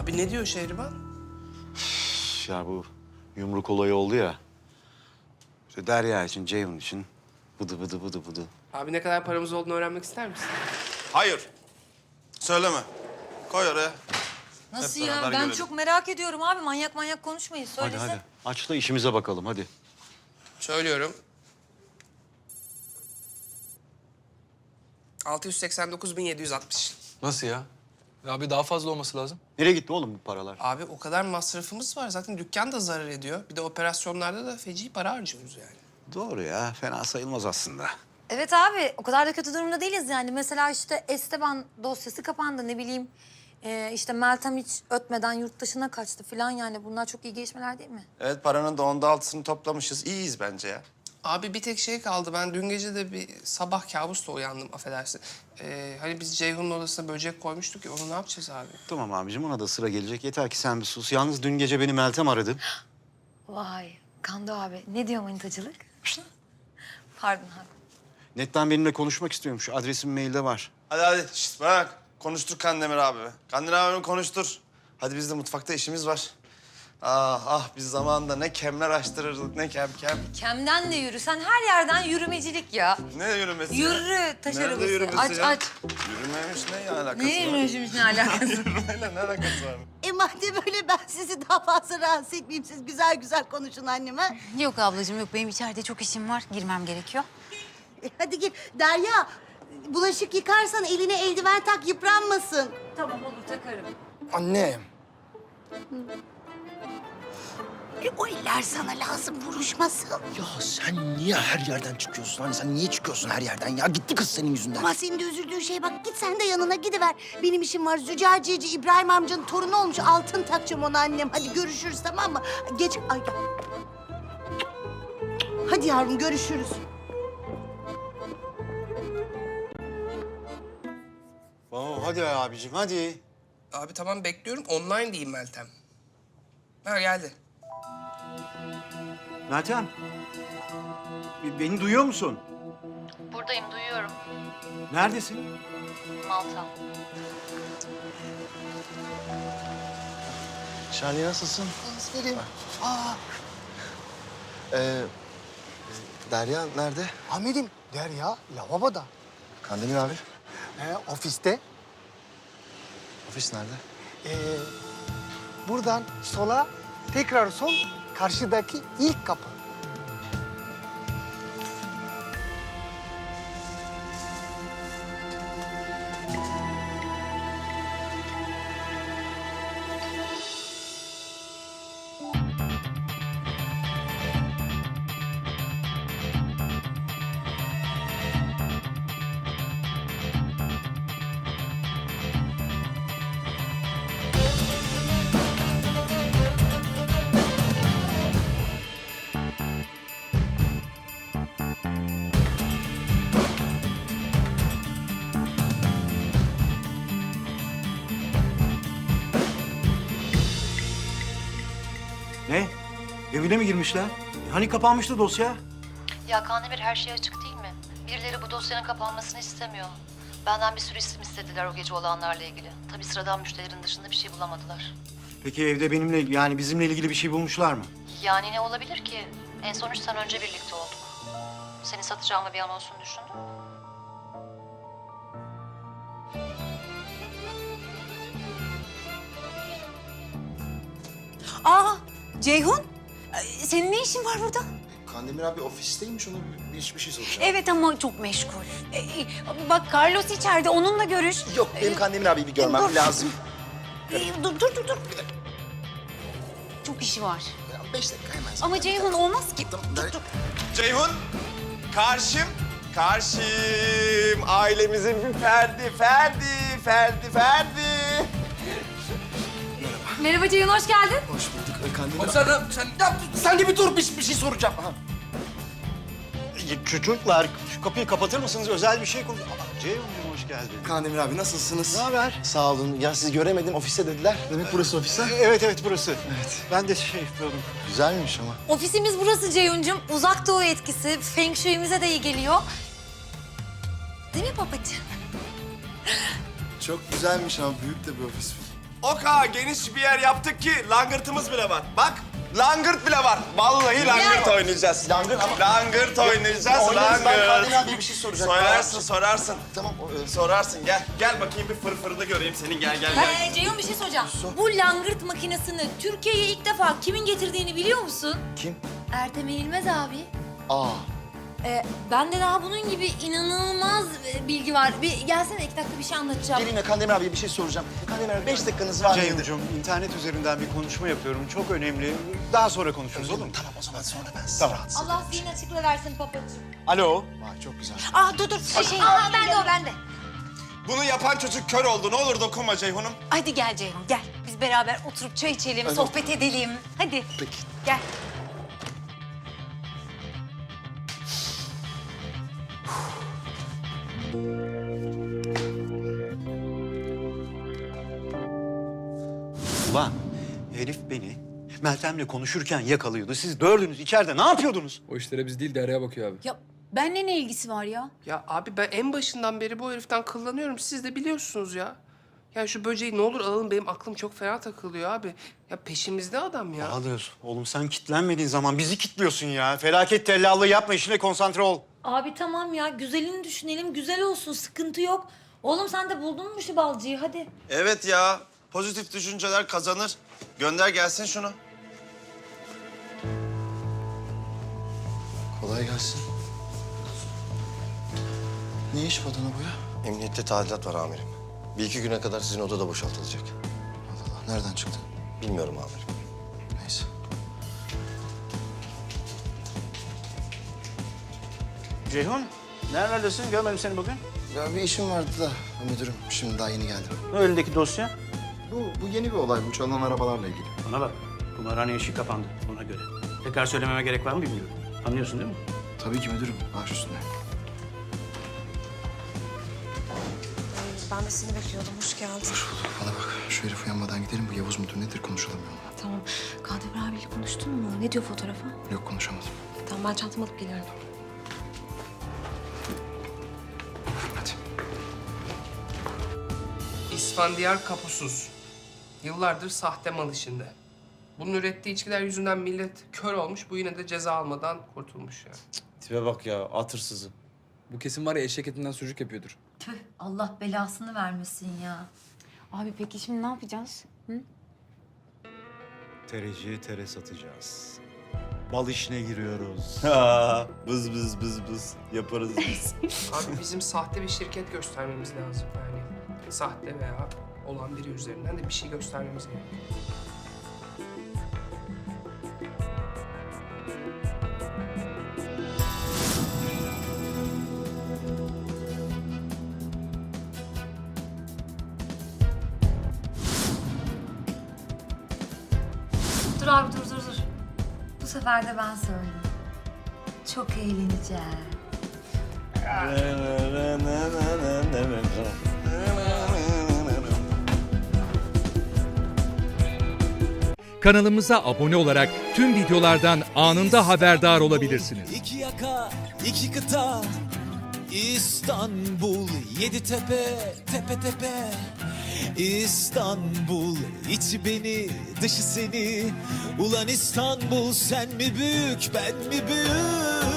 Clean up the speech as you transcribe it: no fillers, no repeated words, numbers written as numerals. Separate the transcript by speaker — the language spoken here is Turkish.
Speaker 1: Abi ne diyor Şehriban?
Speaker 2: Ya bu yumruk olayı oldu ya. İşte Derya için, Ceyhun için bıdı bıdı bıdı bıdı.
Speaker 1: Abi ne kadar paramız olduğunu öğrenmek ister misin?
Speaker 3: Hayır. Söyleme. Koy oraya.
Speaker 4: Nasıl
Speaker 3: Hep
Speaker 4: ya?
Speaker 3: beraber
Speaker 4: Ben
Speaker 3: görelim.
Speaker 4: çok merak ediyorum abi. Manyak manyak konuşmayın.
Speaker 2: Hadi
Speaker 4: Söylesene.
Speaker 2: hadi. Aç da işimize bakalım hadi.
Speaker 1: Söylüyorum. 689.760.
Speaker 5: Nasıl ya? Abi daha fazla olması lazım.
Speaker 2: Nereye gitti oğlum bu paralar?
Speaker 1: Abi o kadar masrafımız var. Zaten dükkan da zarar ediyor. Bir de operasyonlarda da feci para harcıyoruz yani.
Speaker 2: Doğru ya. Fena sayılmaz aslında.
Speaker 4: Evet abi. O kadar da kötü durumda değiliz yani. Mesela işte Esteban dosyası kapandı. Ne bileyim işte Meltem hiç ötmeden yurt dışına kaçtı falan yani. Bunlar çok iyi gelişmeler değil mi?
Speaker 3: Evet, paranın da 6'sını toplamışız. İyiyiz bence ya.
Speaker 1: Abi bir tek şey kaldı. Ben dün gece de bir sabah kabusla uyandım, affedersin. Hani biz Ceyhun'un odasına böcek koymuştuk ya, onu ne yapacağız abi?
Speaker 2: Tamam abicim ona da sıra gelecek. Yeter ki sen bir sus. Yalnız dün gece beni Meltem aradı.
Speaker 4: Vay Kando abi. Ne diyor manitacılık? Pardon abi.
Speaker 2: Netten benimle konuşmak istiyormuş. Adresim mailde var.
Speaker 3: Hadi. Şişt, bırak. Konuştur Kandemir abi. Kandemir abimi konuştur. Hadi biz de mutfakta işimiz var. Biz zamanında ne kemler açtırırdık, ne kem.
Speaker 4: Kemden de yürü. Sen her yerden yürümecilik ya.
Speaker 3: Ne yürümesi ya?
Speaker 4: Yürü taş
Speaker 3: Nerede
Speaker 4: arabası.
Speaker 3: yürümesi
Speaker 4: Aç
Speaker 3: ya?
Speaker 4: aç.
Speaker 3: Yürümemiş ne alakası
Speaker 4: Ne
Speaker 3: var?
Speaker 4: yürümüşümüz ne alakası?
Speaker 3: Yürümeyle ne alakası var?
Speaker 6: Madem öyle ben sizi daha fazla rahatsız etmeyeyim. Siz güzel güzel konuşun anneme.
Speaker 7: Yok ablacığım yok. Benim içeride çok işim var. Girmem gerekiyor.
Speaker 6: Hadi gir. Derya, bulaşık yıkarsan eline eldiven tak, yıpranmasın.
Speaker 4: Tamam olur takarım.
Speaker 5: Anne.
Speaker 6: O eller sana lazım, vuruşmasın.
Speaker 8: Ya sen niye her yerden çıkıyorsun? Hani sen niye çıkıyorsun her yerden ya? Gitti kız senin yüzünden.
Speaker 6: Ama senin de üzüldüğün şey bak, git sen de yanına gidiver. Benim işim var. Züccaciyeci İbrahim amcanın torunu olmuş. Altın takacağım ona annem. Hadi görüşürüz, tamam mı? Geç. Ay. Hadi yavrum, görüşürüz.
Speaker 2: Tamam hadi abicim hadi.
Speaker 1: Abi tamam bekliyorum. Online diyeyim Meltem. Ha geldi.
Speaker 2: Meltem. Beni duyuyor musun?
Speaker 7: Buradayım, duyuyorum.
Speaker 2: Neredesin?
Speaker 7: Malta.
Speaker 8: Şahane nasılsın?
Speaker 6: Aferin.
Speaker 8: Derya nerede?
Speaker 9: Hamid'im Derya lavaboda.
Speaker 8: Kandemir abi.
Speaker 9: Ofiste.
Speaker 8: Ofis nerede?
Speaker 9: Buradan sola, tekrar sol, karşıdaki ilk kapı.
Speaker 2: Ne? Evine mi girmişler? Hani kapanmıştı dosya?
Speaker 7: Ya Kandemir her şey açık değil mi? Birileri bu dosyanın kapanmasını istemiyor. Benden bir sürü isim istediler o gece olanlarla ilgili. Tabii sıradan müşterilerin dışında bir şey bulamadılar.
Speaker 2: Peki evde benimle yani bizimle ilgili bir şey bulmuşlar mı?
Speaker 7: Yani ne olabilir ki? En son 3 sene önce birlikte olduk. Seni satacağımı bir an olsun düşündüm.
Speaker 4: Aa Ceyhun. Senin ne işin var burada?
Speaker 8: Kandemir abi ofisteymiş. Ona bir şey soracağım.
Speaker 4: Evet ama çok meşgul. Bak Carlos içeride onunla görüş.
Speaker 8: Yok benim Kandemir abiyi bir görmem
Speaker 4: dur.
Speaker 8: lazım.
Speaker 4: Dur. Çok işi var.
Speaker 8: Ya 5 dakika hemen.
Speaker 4: Ama Ceyhun olmaz ki.
Speaker 8: Tamam,
Speaker 3: Ceyhun, karşım. Ailemizin bir Ferdi.
Speaker 4: Merhaba Ceyhun hoş geldin.
Speaker 8: Hoş bulduk Kandemir abi.
Speaker 5: Sen de bir dur bir şey soracağım. Ha.
Speaker 2: Çocuklar şu kapıyı kapatır mısınız? Özel bir şey konuş... Ceyhun'cum hoş geldin.
Speaker 8: Kandemir abi nasılsınız?
Speaker 2: Ne haber?
Speaker 8: Sağ olun. Ya sizi göremedim ofiste dediler. Demek burası ofis ha?
Speaker 2: Evet burası. Evet. Ben de şey yapıyordum.
Speaker 8: Güzelmiş ama.
Speaker 4: Ofisimiz burası Ceyhun'cum. Uzak doğu etkisi. Feng Shui'mize de iyi geliyor. Değil mi babacığım?
Speaker 8: Çok güzelmiş ama büyük de bir ofis.
Speaker 3: O kadar geniş bir yer yaptık ki langırtımız bile var. Bak langırt bile var. Vallahi langırt oynayacağız. Langırt oynayacağız.
Speaker 8: Oynarız, ben Kandemir
Speaker 3: Langırt.
Speaker 8: abiye bir şey soracaktım.
Speaker 3: Sorarsın.
Speaker 8: Tamam.
Speaker 3: Sorarsın gel. Gel bakayım bir fırfırını göreyim senin gel.
Speaker 4: Ceyhun bir şey soracağım. Bu langırt makinesini Türkiye'ye ilk defa kimin getirdiğini biliyor musun?
Speaker 8: Kim?
Speaker 4: Ertem Eğilmez abi.
Speaker 8: Aa.
Speaker 4: Bende daha bunun gibi inanılmaz bilgi var. Bir gelsene 2 dakika bir şey anlatacağım.
Speaker 8: Gelin ya Kandemir abiye bir şey soracağım. Kandemir abi 5 dakikanız var mıydı?
Speaker 2: Ceyhuncuğum, internet üzerinden bir konuşma yapıyorum. Çok önemli. Daha sonra konuşuruz, olur mu?
Speaker 8: Tamam o zaman sonra ben sizi
Speaker 2: Tamam.
Speaker 8: rahatsız
Speaker 4: Allah zihin açıkla versin papacığım.
Speaker 2: Alo.
Speaker 8: Vay çok güzel.
Speaker 4: Dur. Bende.
Speaker 3: Bunu yapan çocuk kör oldu. Ne olur dokunma Ceyhun'um.
Speaker 4: Hadi gel Ceyhun gel. Biz beraber oturup çay içelim, sohbet edelim. Hadi.
Speaker 8: Peki.
Speaker 4: Gel.
Speaker 2: Ulan herif beni Meltem'le konuşurken yakalıyordu. Siz dördünüz içeride ne yapıyordunuz?
Speaker 5: O işlere biz değil Derya'ya bakıyor abi.
Speaker 4: Ya benle ne ilgisi var ya?
Speaker 1: Ya abi ben en başından beri bu heriften kıllanıyorum. Siz de biliyorsunuz ya. Ya şu böceği ne olur alın, benim aklım çok fena takılıyor abi. Ya peşimizde adam ya.
Speaker 2: Bahadır, oğlum sen kitlenmediğin zaman bizi kitliyorsun ya. Felaket tellallığı yapma, işine konsantre ol.
Speaker 4: Abi tamam ya güzelini düşünelim, güzel olsun, sıkıntı yok. Oğlum sen de buldun mu şu balcıyı hadi.
Speaker 3: Evet ya. Pozitif düşünceler kazanır. Gönder gelsin şunu.
Speaker 8: Kolay gelsin. Ne iş badana bu ya?
Speaker 10: Emniyette tadilat var amirim. Bir iki güne kadar sizin odada boşaltılacak.
Speaker 8: Allah Allah nereden çıktı?
Speaker 10: Bilmiyorum amirim.
Speaker 8: Neyse.
Speaker 2: Ceyhun, nerelerdesin? Görmedim seni bugün.
Speaker 8: Ya bir işim vardı da müdürüm şimdi daha yeni geldim.
Speaker 2: Ne önündeki dosya?
Speaker 8: Bu yeni bir olay. Bu çalınan arabalarla ilgili.
Speaker 11: Bana bak, kumarhane işi kapandı ona göre. Tekrar söylememe gerek var mı bilmiyorum. Anlıyorsun değil mi?
Speaker 8: Tabii ki müdürüm. Baş üstüne.
Speaker 12: Ben de seni bekliyordum. Hoş geldin.
Speaker 8: Hoş bulduk. Bana bak şu herif uyanmadan gidelim. Bu Yavuz mudur nedir konuşalım ya onunla.
Speaker 12: Tamam. Kandemir abiyle konuştun mu? Ne diyor fotoğrafa?
Speaker 8: Yok konuşamadım.
Speaker 12: Tamam ben çantamı alıp geliyorum.
Speaker 8: Hadi.
Speaker 1: İsfandiyar kapusuz. Yıllardır sahte mal işinde. Bunun ürettiği içkiler yüzünden millet kör olmuş. Bu yine de ceza almadan kurtulmuş yani.
Speaker 3: Tipe bak ya atırsızı.
Speaker 5: Bu kesin var ya eşek etinden sucuk yapıyordur.
Speaker 4: Tüh Allah belasını vermesin ya.
Speaker 12: Abi peki şimdi ne yapacağız?
Speaker 2: Tereciye tere satacağız. Bal işine giriyoruz.
Speaker 3: Bız yaparız biz.
Speaker 1: Abi bizim sahte bir şirket göstermemiz lazım yani. Sahte veya olan biri üzerinden de bir şey göstermemiz gerekiyor.
Speaker 4: Dur abi dur. Bu sefer de ben söyleyeyim. Çok eğleneceğim.
Speaker 13: Kanalımıza abone olarak tüm videolardan anında haberdar olabilirsiniz.
Speaker 14: İki yaka, iki kıta, İstanbul, yedi tepe, tepe tepe. İstanbul, içi beni, dışı seni. Ulan İstanbul, sen mi büyük, ben mi büyük?